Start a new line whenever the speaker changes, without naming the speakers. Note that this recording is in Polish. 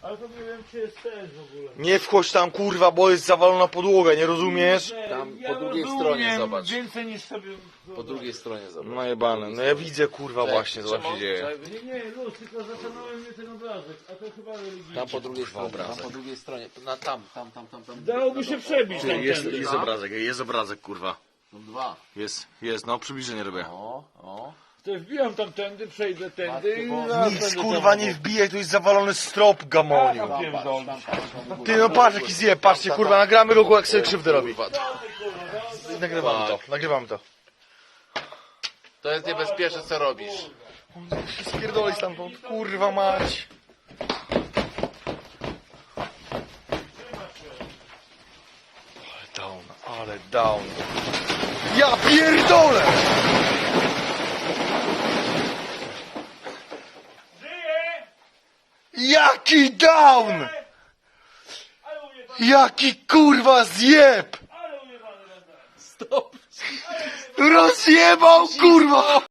Ale to nie wiem, czy jest sens w ogóle.
Nie wchodź tam, kurwa, bo jest zawalona podłoga, nie rozumiesz?
Tam
Ja
po drugiej
rozumiem
stronie zobacz.
Więcej niż sobie...
Po drugiej stronie zobacz.
Najebane, no ja widzę, kurwa, właśnie, co tam się dzieje.
Nie, luz, tylko zastanowił mnie ten obrazek, a to chyba religijny.
Tam po drugiej stronie, tam
obrazek.
po drugiej stronie. Tam.
Dałoby się przebić tam
Jest obrazek, kurwa.
Są dwa.
Jest, no przybliżenie robię.
O.
To wbijam tamtędy, przejdę tędy i
Matko,
zaraz
Nic,
będę
kurwa,
tam
nie
obok.
wbijaj, tu jest zawalony strop, gamoniu.
Tam pierdolę.
Ty, no patrz jaki zje, patrzcie, kurwa, nagramy go, jak sobie krzywdę robi. Nagrywamy to.
To jest niebezpieczne, co robisz.
Spierdolę stamtąd, kurwa mać. Ale down. Ja pierdolę! Jaki down! Jaki kurwa zjeb!
Stop!
Rozjebał kurwa!